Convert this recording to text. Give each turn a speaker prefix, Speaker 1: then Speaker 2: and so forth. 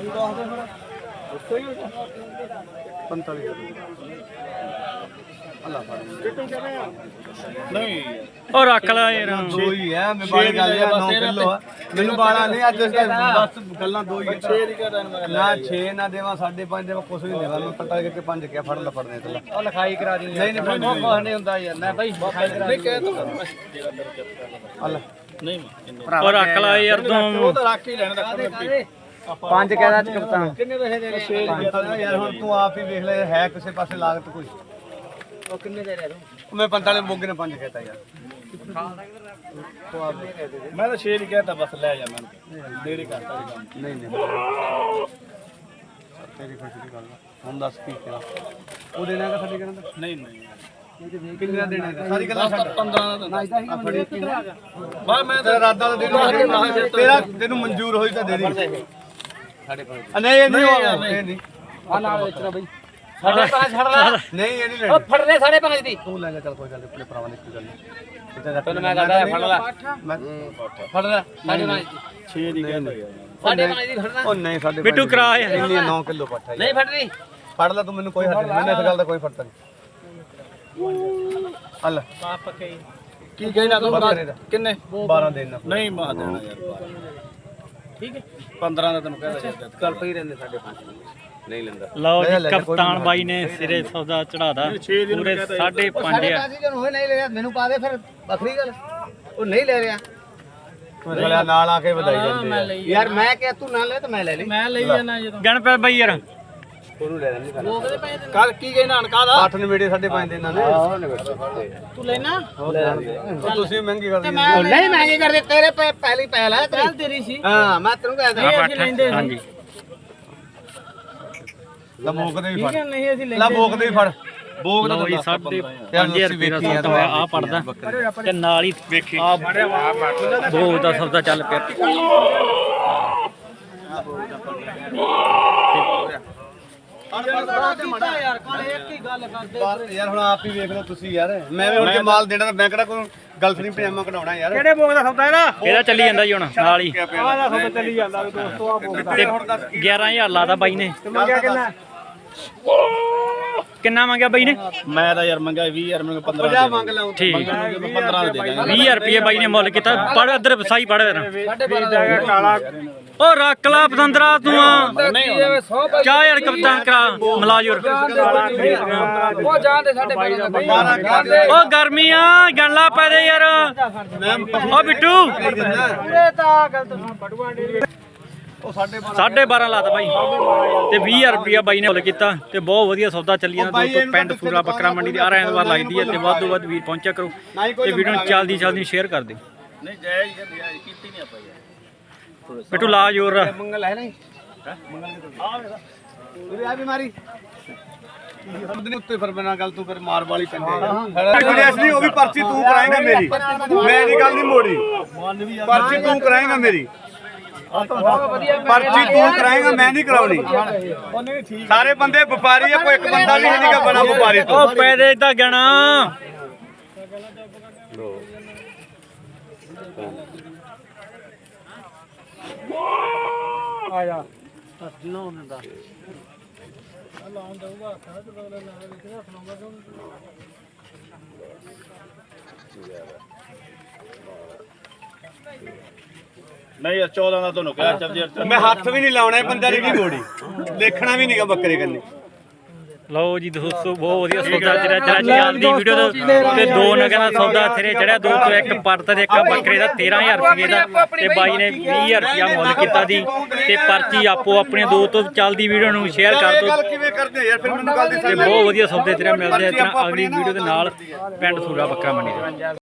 Speaker 1: ਉਹ ਰੱਖ ਲੈ ਯਾਰ
Speaker 2: ਦੋ ਹੀ ਹੈ ਮੈਂ ਬਾਲੇ ਗੱਲ 9 ਕਿਲੋ ਆ ਮੈਨੂੰ ਬਾਲਾ ਨਹੀਂ ਅੱਜ ਬਸ ਗੱਲਾਂ ਦੋ ਹੀ ਨਾ 6 ਨਾ ਦੇਵਾਂ 5.5 ਦੇਵਾਂ ਕੁਛ ਨਹੀਂ ਦੇਵਾਂ ਮੈਂ ਪੱਟਾ ਕੇ 5 ਕਿਹਾ ਫੜ ਲੈ ਫੜਨੇ ਤੇ ਉਹ ਲਿਖਾਈ ਕਰਾ ਦੀ ਨਹੀਂ ਨਹੀਂ ਕੁਛ ਨਹੀਂ ਹੁੰਦਾ ਯਾਰ ਮੈਂ ਭਾਈ ਲਿਖਾਈ ਕਰਾ ਨਹੀਂ ਕਹਿ ਤੂੰ ਅੱਲਾ ਨਹੀਂ
Speaker 1: ਉਹ ਰੱਖ ਲੈ ਯਾਰ ਤੂੰ
Speaker 2: ਉਹ ਤਾਂ ਰੱਖ ਹੀ ਲੈਣਾ ਪੰਜ ਕਹਿਦਾ ਕਪਤਾਨ ਕਿੰਨੇ ਪੈਸੇ ਦੇ 6 ਯਾਰ ਹੁਣ ਤੂੰ ਆਪ ਹੀ ਵੇਖ ਲੈ ਹੈ ਕਿਸੇ ਪਾਸੇ ਲਾਗਤ ਕੋਈ ਉਹ ਕਿੰਨੇ ਦੇ ਰਿਹਾ ਤੂੰ ਮੈਂ 45 ਮੋਗੇ ਨੇ 5 ਕਹਿਤਾ ਯਾਰ
Speaker 3: ਮੈਂ ਤਾਂ 6 ਹੀ ਕਹਿਤਾ ਬਸ ਲੈ ਜਾ ਮੈਂ ਡੇਢ ਕਰਤਾ
Speaker 2: ਨਹੀਂ ਨਹੀਂ ਤੇਰੀ ਖੁਸ਼ੀ ਦੀ ਗੱਲ ਹੁਣ ਦੱਸ ਕੀ ਕਰਾਂ ਉਹ ਦੇਣਾ ਕਿ ਸਾਡੇ ਕਹਿੰਦਾ
Speaker 3: ਨਹੀਂ ਨਹੀਂ
Speaker 2: ਕਿੰਨੇ ਦਾ ਦੇਣਾ ਸਾਰੀ ਗੱਲਾਂ
Speaker 3: 15 ਦਾ
Speaker 2: ਬਸ ਮੈਂ ਤੇਰਾ ਇਰਾਦਾ ਤਾਂ ਦੇ ਦੂੰ ਤੇਰਾ ਤੈਨੂੰ ਮਨਜ਼ੂਰ ਹੋਈ ਤਾਂ ਦੇ ਦੇ ਨਹੀਂ ਇਹ ਨਹੀਂ ਇਹ ਨਹੀਂ
Speaker 4: ਆ ਨਾਲ ਵੇਚਣਾ ਬਈ ਸਾਡੇ ਪਾਸ ਛੱਡ ਲੈ
Speaker 2: ਨਹੀਂ ਇਹ ਨਹੀਂ
Speaker 4: ਉਹ
Speaker 2: ਲੈਣੀ
Speaker 4: ਫੜ ਲੈ 5.5 ਦੀ
Speaker 2: ਤੂੰ ਲੈ ਜਾ ਚੱਲ ਕੋਈ ਗੱਲ ਨਹੀਂ ਆਪਣੇ ਭਰਾਵਾਂ ਦੀ ਕੋਈ ਗੱਲ ਨਹੀਂ
Speaker 4: ਤੈਨੂੰ ਮੈਂ ਕਹਦਾ ਫੜ ਲੈ
Speaker 2: ਮੈਂ
Speaker 4: ਫੜ ਲੈ 5.5 ਦੀ
Speaker 3: 6 ਦੀ ਕਹਿਤਾ
Speaker 4: 5.5 ਦੀ ਫੜਨਾ
Speaker 2: ਉਹ ਨਹੀਂ ਸਾਡੇ
Speaker 1: ਬਿੱਟੂ ਕਰਾ ਯਾਰ।
Speaker 2: ਇੰਨੀ 9 ਕਿਲੋ ਪੱਠਾ
Speaker 4: ਨਹੀਂ ਫੜਨੀ
Speaker 2: ਫੜ ਲੈ ਤੂੰ ਮੈਨੂੰ ਕੋਈ ਹੱਥ ਨਹੀਂ ਮੈਨੂੰ ਇਸ ਗੱਲ ਦਾ ਕੋਈ ਫਰਕ ਨਹੀਂ ਹੱਲ
Speaker 3: ਕੀ ਕਹਿਣਾ ਤੂੰ ਕਿੰਨੇ
Speaker 2: 12 ਦੇਣਾ
Speaker 3: ਨਹੀਂ ਮਾ ਦੇਣਾ ਯਾਰ ਠੀਕ ਹੈ 15 ਦਾ ਤੈਨੂੰ ਕਹਿਦਾ
Speaker 2: ਚੱਲ ਪਈ ਰਹਿੰਦੇ ਸਾਡੇ ਪਾਸ ਨਹੀਂ ਲੈਂਦਾ
Speaker 1: ਲਓ ਜੀ ਕਪਤਾਨ ਬਾਈ ਨੇ ਸਿਰੇ ਸੌਦਾ ਚੜਾਦਾ ਪੂਰੇ 5.5 ਆ
Speaker 2: ਹੋਏ ਨਹੀਂ ਲੈ ਰਿਹਾ ਮੈਨੂੰ ਪਾ ਦੇ ਫਿਰ ਵੱਖਰੀ ਗੱਲ ਉਹ ਨਹੀਂ ਲੈ ਰਿਹਾ ਬੋਲਿਆ ਨਾਲ ਆ ਕੇ ਵਧਾਈ ਜਾਂਦੇ ਯਾਰ ਮੈਂ ਕਿਹਾ ਤੂੰ ਨਾ ਲੈ ਤਾਂ ਮੈਂ ਲੈ ਲਈ
Speaker 4: ਮੈਂ ਲਈ ਜਾਣਾ ਜਦੋਂ
Speaker 1: ਗਣ ਪੈ ਬਾਈ ਯਾਰ
Speaker 2: ਉਹਨੂੰ ਲੈ ਲੈਂਦੀ
Speaker 4: ਲੋਕ ਦੇ ਪੈਸੇ
Speaker 3: ਕੱਲ ਕੀ ਕਹਿਣਾ ਅਨਕਾ ਦਾ
Speaker 2: 8 ਨਵੇੜੇ 5.5 ਦੇ ਇਹਨਾਂ ਨੇ
Speaker 4: ਤੂੰ ਲੈਣਾ
Speaker 2: ਤੁਸੀਂ ਮਹਿੰਗੀ ਕਰਦੇ
Speaker 4: ਨਹੀਂ ਮਹਿੰਗੇ ਕਰਦੇ ਤੇਰੇ ਪਹਿਲੀ ਪਹਿਲ ਹੈ ਤੇਰੀ ਸੀ
Speaker 2: ਹਾਂ ਮੈਂ ਤੈਨੂੰ ਕਹਿੰਦਾ
Speaker 4: ਅਸੀਂ ਲੈਂਦੇ
Speaker 1: ਹਾਂਜੀ
Speaker 2: ਲਾ ਬੋਕ ਦੇ ਵੀ ਫੜ
Speaker 4: ਨਹੀਂ ਅਸੀਂ
Speaker 2: ਲਾ ਬੋਕ ਦੇ ਵੀ ਫੜ ਬੋਕ ਦਾ
Speaker 1: ਲਓ ਜੀ 5.5 ਰੁਪਏ ਦਾ ਸੌਦਾ ਹੋਇਆ ਆ ਪੜਦਾ ਤੇ ਨਾਲ ਹੀ ਵੇਖੀ ਆ ਦੋ ਦਾ ਸੌਦਾ ਚੱਲ ਪਿਆ
Speaker 4: ਯਾਰ ਕਾਲੇ ਇੱਕ ਹੀ ਗੱਲ ਕਰਦੇ
Speaker 2: ਯਾਰ ਹੁਣ ਆਪ ਹੀ ਵੇਖ ਲਓ ਤੁਸੀਂ ਯਾਰ ਮੈਂ ਵੀ ਹੁਣ ਜੇ ਮਾਲ ਦੇਣਾ ਤਾਂ ਮੈਂ ਕਿਹੜਾ ਕੋਈ ਗਲਤ ਨਹੀਂ ਪਜਾਮਾ ਕਢਾਉਣਾ ਯਾਰ
Speaker 4: ਕਿਹੜੇ ਬੋਗ ਦਾ ਸੌਦਾ
Speaker 1: ਇਹਦਾ ਚੱਲੀ ਜਾਂਦਾ ਜੀ ਹੁਣ ਨਾਲ ਹੀ
Speaker 4: ਆਹ ਦਾ ਸੌਦਾ ਚੱਲੀ ਜਾਂਦਾ ਦੋਸਤੋ ਆ ਬੋਗ
Speaker 1: ਤੇ 11000 ਲਾਦਾ ਬਾਈ ਨੇ
Speaker 4: ਮੰਗਿਆ ਕਿੰਨਾ
Speaker 1: ਕਿੰਨਾ ਮੰਗਿਆ ਬਾਈ ਨੇ
Speaker 3: ਮੈਂ ਤਾਂ ਯਾਰ ਮੰਗਿਆ 20000 ਮੈਨੂੰ 15
Speaker 2: 50 ਮੰਗ ਲਾਉਂ
Speaker 1: ਠੀਕ
Speaker 3: 15 ਦੇ ਦਾਂਗੇ
Speaker 1: 20000 ਰੁਪਏ ਬਾਈ ਨੇ ਮੁੱਲ ਕੀਤਾ ਪੜ ਇੱਧਰ ਵਸਾਈ ਪੜ ਫਿਰ
Speaker 4: ਕਾਲਾ
Speaker 1: ਉਹ ਰੱਖ ਲਾ ਪਤੰਦਰਾ ਤੂੰ
Speaker 4: ਨਹੀਂ 100
Speaker 1: ਚਾਹ ਯਾਰ ਕਪਤਾਨ ਕਰਾ ਮਲਾਜੁਰ
Speaker 4: ਉਹ ਜਾਣਦੇ ਸਾਡੇ 12
Speaker 1: ਉਹ ਗਰਮੀ ਆ ਗੱਲਾਂ ਪੈ ਦੇ ਯਾਰ ਉਹ ਬਿੱਟੂ
Speaker 4: ਪੂਰੇ ਤਾਂ ਗਲਤ ਬੜੂਆ ਡੇ
Speaker 2: ਉਹ 12.5
Speaker 1: 12.5 ਲਾਤਾ ਬਾਈ ਤੇ 20000 ਰੁਪਿਆ ਬਾਈ ਨੇ ਮੁੱਲ ਕੀਤਾ ਤੇ ਬਹੁਤ ਵਧੀਆ ਸੌਦਾ ਚੱਲੀ ਜਾਂਦਾ ਦੋਸਤੋ ਪਿੰਡ ਸੂਰਾ ਬੱਕਰਾ ਮੰਡੀ ਦੀ ਐਤਵਾਰ ਲੱਗਦੀ ਹੈ ਤੇ ਵੱਧ ਤੋਂ ਵੱਧ ਵੀਰ ਪਹੁੰਚਿਆ ਕਰੋ ਤੇ ਵੀਡੀਓ ਨੂੰ ਜਲਦੀ ਸ਼ੇਅਰ ਕਰ ਦਿਓ
Speaker 3: ਨਹੀਂ ਜਾਇਜ਼ ਕੀਤੀ ਨਹੀਂ ਆਪਾਂ ਯਾਰ
Speaker 1: ਬਿੱਟੂ ਲਾ ਜੋਰ
Speaker 2: ਮੰਗਲ ਹੈ ਨਹੀਂ ਉਰੇ ਆ ਬਿਮਾਰੀ ਉਹਦੇ ਉੱਤੇ ਫਿਰ ਬਿਨਾਂ ਗੱਲ ਤੂੰ ਫਿਰ ਮਾਰ ਵਾਲੀ ਪੈਂਦੇ ਗੁਰੇਸ਼ ਨਹੀਂ ਉਹ ਵੀ ਪਰਚੀ ਤੂੰ ਕਰਾਏਂਗਾ ਮੇਰੀ ਮੈਂ ਇਹ ਗੱਲ ਨਹੀਂ ਮੋੜੀ ਪਰਚੀ ਤੂੰ ਕਰਾਏਂਗਾ ਮੇਰੀ ਪਰਚੀ ਤੂੰ ਕਰਾਏਂਗਾ ਮੈਂ ਨਹੀਂ ਕਰਾਉਣੀ ਸਾਰੇ ਬੰਦੇ ਵਪਾਰੀ ਆ ਕੋਈ ਇੱਕ ਬੰਦਾ ਵੀ ਨਹੀਂ ਗਾ ਬਣਾ ਵਪਾਰੀ ਤੋਂ
Speaker 1: ਉਹ ਪੈਦੇ ਇਦਾਂ ਗਣਾ
Speaker 4: ਆ ਜਾ
Speaker 3: ਨਹੀਂ ਯਾਰ 14 ਦਾ ਤੁਹਾਨੂੰ ਕਿਹਾ ਚੱਲ ਯਾਰ
Speaker 2: ਮੈਂ ਹੱਥ ਵੀ ਨਹੀਂ ਲਾਉਣਾ ਬੰਦਾ ਦੀ ਮੋੜੀ ਦੇਖਣਾ ਵੀ ਨਹੀਂਗਾ ਬੱਕਰੇ ਕੰਨੇ
Speaker 1: ਲਓ ਜੀ ਦੋਸਤੋ ਬਹੁਤ ਵਧੀਆ ਸੌਦਾ ਜਿਹੜਾ ਚੱਲਦੀ ਵੀਡੀਓ ਤੇ ਦੋ ਨਗਾਂ ਦਾ ਸੌਦਾ ਸਿਰੇ ਚੜਿਆ ਦੋ ਤੋਂ ਇੱਕ ਪਰਤ ਤੇ ਇੱਕ ਬੱਕਰੇ ਦਾ 13000 ਰੁਪਏ ਦਾ ਤੇ ਬਾਈ ਨੇ 20000 ਰੁਪਿਆ ਮੁੱਲ ਕੀਤਾ ਦੀ ਤੇ ਪਰਚੀ ਆਪੋ ਆਪਣੇ ਦੋ ਤੋਂ ਚੱਲਦੀ ਵੀਡੀਓ ਨੂੰ ਸ਼ੇਅਰ ਕਰ ਦਿਓ
Speaker 2: ਕਿਵੇਂ ਕਰਦੇ ਯਾਰ ਫਿਰ ਮੈਨੂੰ ਗੱਲ
Speaker 1: ਤੇ ਬਹੁਤ ਵਧੀਆ ਸੌਦੇ ਤੇਰੇ ਮਿਲਦੇ ਆ ਇਸ ਤਰ੍ਹਾਂ ਅਗਲੀ ਵੀਡੀਓ ਦੇ ਨਾਲ ਪਿੰਡ ਸੂਰਾ ਬੱਕਰਾ ਮੰਡੀ ਦੇ